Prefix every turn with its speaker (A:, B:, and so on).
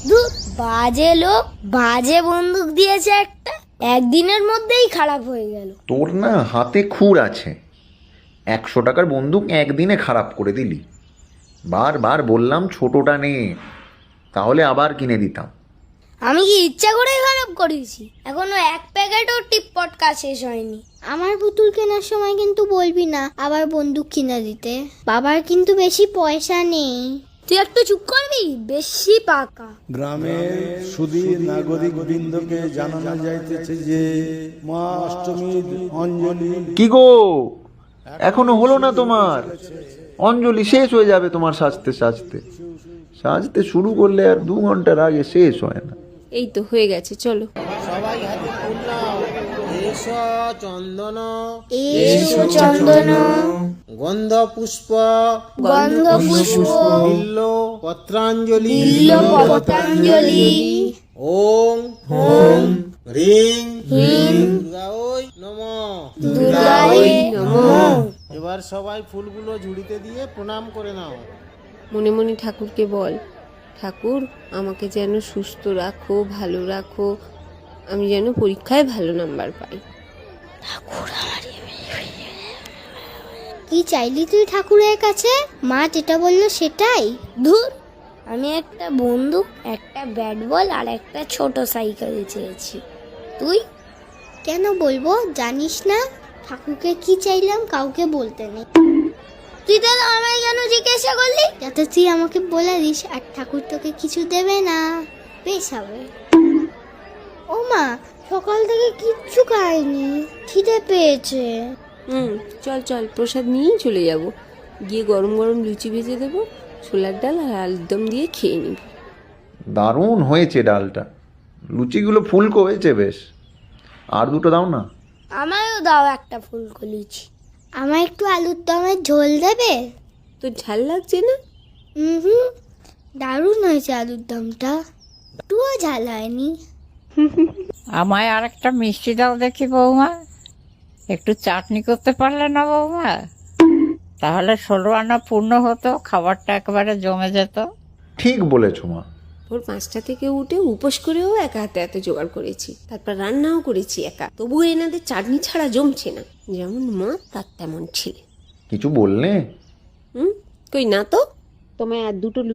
A: ধুর, বাজে লোক, বাজে বন্দুক দিয়েছে একটা, একদিনের মধ্যেই খারাপ হয়ে গেল।
B: তোর না হাতে খুঁড় আছে, 100 টাকার বন্দুক একদিনে খারাপ করে দিলি। বারবার বললাম ছোটটা নে, তাহলে আবার কিনে দিতাম।
A: আমি কি ইচ্ছা করেই খারাপ করেছি? এখনো এক প্যাকেটও টিপ পটকা শেষ হয়নি।
C: আমার পুতুল কেনার সময় কিন্তু বলবি না আবার বন্দুক কিনে দিতে। বাবার কিন্তু বেশি পয়সা নেই।
A: তুই একটু চুপ করবি, বেশি পাকা।
D: গ্রামের সুধীর নাগরিক বৃন্দকে জানানো যাইতেছে যে মা অষ্টমীর অঞ্জলি।
B: কি গো, এখনো হলো না তোমার? অঞ্জলি শেষ হয়ে যাবে তোমার সাজতে সাজতে। সাজতে শুরু করলে আর 2 ঘন্টার আগে শেষ হয় না।
E: এই তো হয়ে গেছে, চলো।
F: সবাই হাতে ফুল নাও। এসো চন্দন,
A: এসো চন্দন,
F: গন্ধ পুষ্প,
A: গন্ধ পুষ্প,
F: বিল্ল পত্রাঞ্জলি,
A: বিল্ল পতঞ্জলি,
F: ওং ওং হ্রিং হ্রিং দুর্গায় নমঃ।
A: দুর্গায় নমঃ।
F: এবার সবাই ফুলগুলো ঝুড়িতে দিয়ে প্রণাম করে নাও।
E: মনে মনে ঠাকুরকে বল, ঠাকুর আমাকে যেন সুস্থ রাখো, ভালো রাখো, আমি যেন পরীক্ষায় ভালো নাম্বার পাই।
C: কি চাইলি তুই ঠাকুরের কাছে? মা যেটা বললো সেটাই।
A: ধুর, আমি একটা বন্দুক, একটা ব্যাট বল আর একটা ছোট সাইকেল চেয়েছি। তুই?
C: কেন বলবো, জানিস না ঠাকুরকে কি চাইলাম কাউকে বলতে নেই।
A: তুই তাহলে আমায় কেন জিজ্ঞাসা করলি?
C: যাতে তুই আমাকে বলে দিস আর ঠাকুর তোকে কিছু দেবে না। বেশ হবে। ও মা, সকাল থেকে কিচ্ছু খাইনি, খিদে পেয়েছে।
E: চল চল, প্রসাদ নিয়েই চলে যাব। গিয়ে গরম গরম লুচি ভেজে দেবো, ছোলার ডাল আর আলুর দম দিয়ে খেয়ে নিবি।
B: দারুণ হয়েছে ডালটা, লুচিগুলো ফুলকো হয়েছে বেশ। আর 2টো দাও না।
A: আমায়ও দাও একটা ফুলকো লুচি।
C: আমার একটু আলুর দমের ঝোল দেবে?
E: তোর ঝাল লাগছে না?
C: হুম, দারুণ হয়েছে আলুর দমটা, একটুও ঝাল হয়নি।
G: আমায় আর একটা মিষ্টি দাও দেখি বৌমা। একটু চাটনি করতে পারলে না বৌমা? তাহলে 16 আনা পূর্ণ হতো, খাবারটা একেবারে জমে যেত।
B: ঠিক বলেছো মা।
E: ভোর 5টা থেকে উঠে উপোস করেও একা হাতে এত জোগাড় করেছি, তারপর রান্নাও করেছি একা, তবুও এনাদের চাটনি ছাড়া জমছে না। যেমন মা তার তেমন ছেলে।
B: কিছু বললে?
E: কই না তো। তোমায় আর 2টো